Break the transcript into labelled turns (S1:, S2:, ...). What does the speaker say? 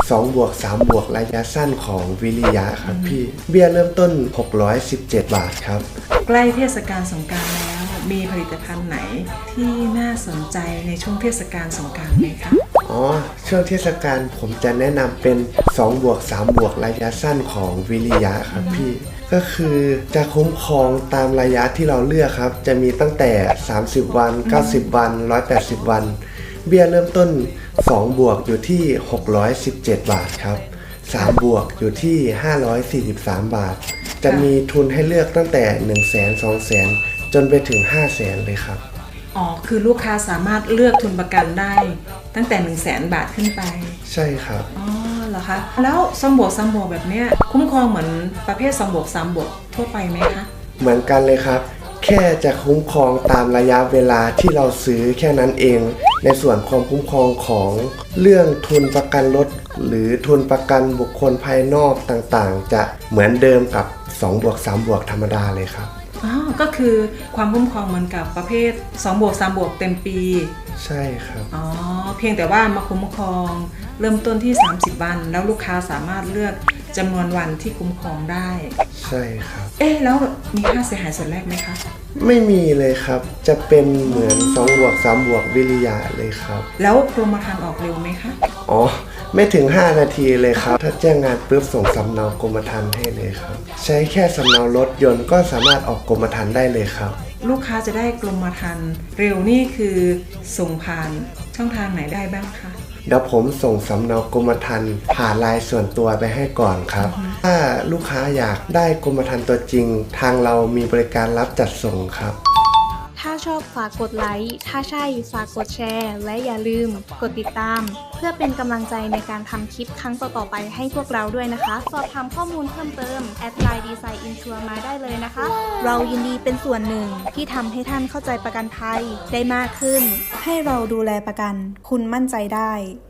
S1: 2บวก3บวกระยะสั้นของวิริยะครับพี่เบี้ยเริ่มต้น617 บาทครับ
S2: ใกล้เทศกาลสงกรานต์แล้วมีผลิตภัณฑ์ไหนที่น่าสนใจในช่วงเทศกาลสงกรานต์ไหมคะ
S1: ช่วงเทศกาลผมจะแนะนำเป็น2บวก3บวกระยะสั้นของวิริยะครับพี่ก็คือจะคุ้มครองตามระยะที่เราเลือกครับจะมีตั้งแต่30วัน90วัน180วันเบี้ยเริ่มต้น2บวกอยู่ที่617 บาทครับ3บวกอยู่ที่543 บาทจะมีทุนให้เลือกตั้งแต่100,000 200,000จนไปถึง500,000เลยครับ
S2: คือลูกค้าสามารถเลือกทุนประกันได้ตั้งแต่100,000 บาทขึ้นไป
S1: ใช่ครับ
S2: เหรอคะแล้ว2บวก3บวกแบบเนี้ยคุ้มครองเหมือนประเภท2บวก3บวกทั่วไปไหมคะ
S1: เหมือนกันเลยครับแค่จะคุ้มครองตามระยะเวลาที่เราซื้อแค่นั้นเองในส่วนความคุ้มครองของเรื่องทุนประกันรถหรือทุนประกันบุคคลภายนอกต่างๆจะเหมือนเดิมกับ2บวก3บวกธรรมดาเลยครับ
S2: ก็คือความคุ้มครองเหมือนกับประเภท2บวก3บวกเต็มปี
S1: ใช่ครับ
S2: เพียงแต่ว่ามาคุ้มครองเริ่มต้นที่30วันแล้วลูกค้าสามารถเลือกจำนวนวันที่คุ้มครองได้
S1: ใช่ครับ
S2: แล้วมีค่าเสียหายส่วนแรกไหมคะ
S1: ไม่มีเลยครับจะเป็นเหมือน2บวก3บวกวิริยะเลยครับ
S2: แล้วกรมธรรม์ออกเร็วไหมคะ
S1: ไม่ถึง5นาทีเลยครับถ้าแจ้งงานปุ๊บส่งสำเนากรมธรรม์ให้เลยครับใช้แค่สำเนารถยนต์ก็สามารถออกกรมธรรม์ได้เลยครับ
S2: ลูกค้าจะได้กรมธรรม์เร็วนี่คือส่งผ่านช่องทางไหนได้บ้างคะ
S1: เดี๋ยวผมส่งสำเนากรมธรรม์ผ่านไลน์ส่วนตัวไปให้ก่อนครับถ้าลูกค้าอยากได้กรมธรรม์ตัวจริงทางเรามีบริการรับจัดส่งครับ
S3: ถ้าชอบฝากกดไลค์ถ้าใช่ฝากกดแชร์และอย่าลืมกดติดตามเพื่อเป็นกำลังใจในการทำคลิปครั้งต่อๆไปให้พวกเราด้วยนะคะสอบถามข้อมูลเพิ่มเติมแอดไลน์ดีไซน์อินชัวร์มาได้เลยนะคะเรายินดีเป็นส่วนหนึ่งที่ทำให้ท่านเข้าใจประกันภัยได้มากขึ้นให้เราดูแลประกันคุณมั่นใจได้